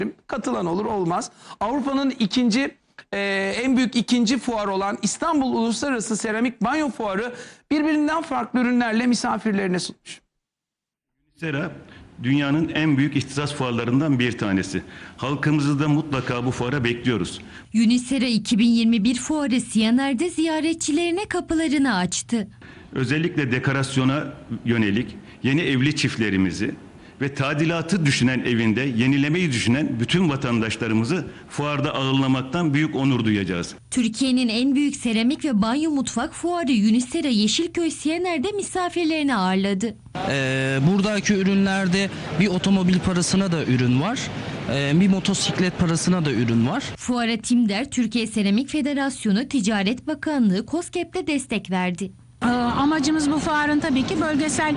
Katılan olur olmaz. Avrupa'nın en büyük ikinci fuar olan İstanbul Uluslararası Seramik Banyo Fuarı birbirinden farklı ürünlerle misafirlerine sunmuş. Sera dünyanın en büyük ihtisas fuarlarından bir tanesi. Halkımızı da mutlaka bu fuara bekliyoruz. Unisera 2021 fuarı Siyaner'de ziyaretçilerine kapılarını açtı. Özellikle dekorasyona yönelik yeni evli çiftlerimizi ve tadilatı düşünen evinde yenilemeyi düşünen bütün vatandaşlarımızı fuarda ağırlamaktan büyük onur duyacağız. Türkiye'nin en büyük seramik ve banyo mutfak fuarı Unisera Yeşilköy Siyaner'de misafirlerini ağırladı. Buradaki ürünlerde bir otomobil parasına da ürün var. Bir motosiklet parasına da ürün var. Fuara Timder, Türkiye Seramik Federasyonu, Ticaret Bakanlığı, KOSGEB'le destek verdi. Amacımız bu fuarın tabii ki bölgesel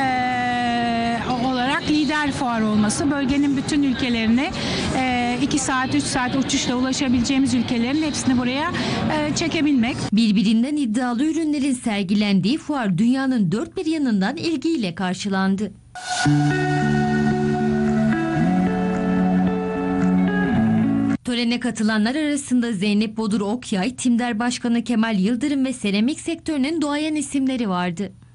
olarak lider fuar olması. Bölgenin bütün ülkelerine 2 saat 3 saat uçuşla ulaşabileceğimiz ülkelerin hepsini buraya çekebilmek. Birbirinden iddialı ürünlerin sergilendiği fuar dünyanın dört bir yanından ilgiyle karşılandı. Törene katılanlar arasında Zeynep Bodur Okyay, Timder Başkanı Kemal Yıldırım ve seramik sektörünün duayen isimleri vardı.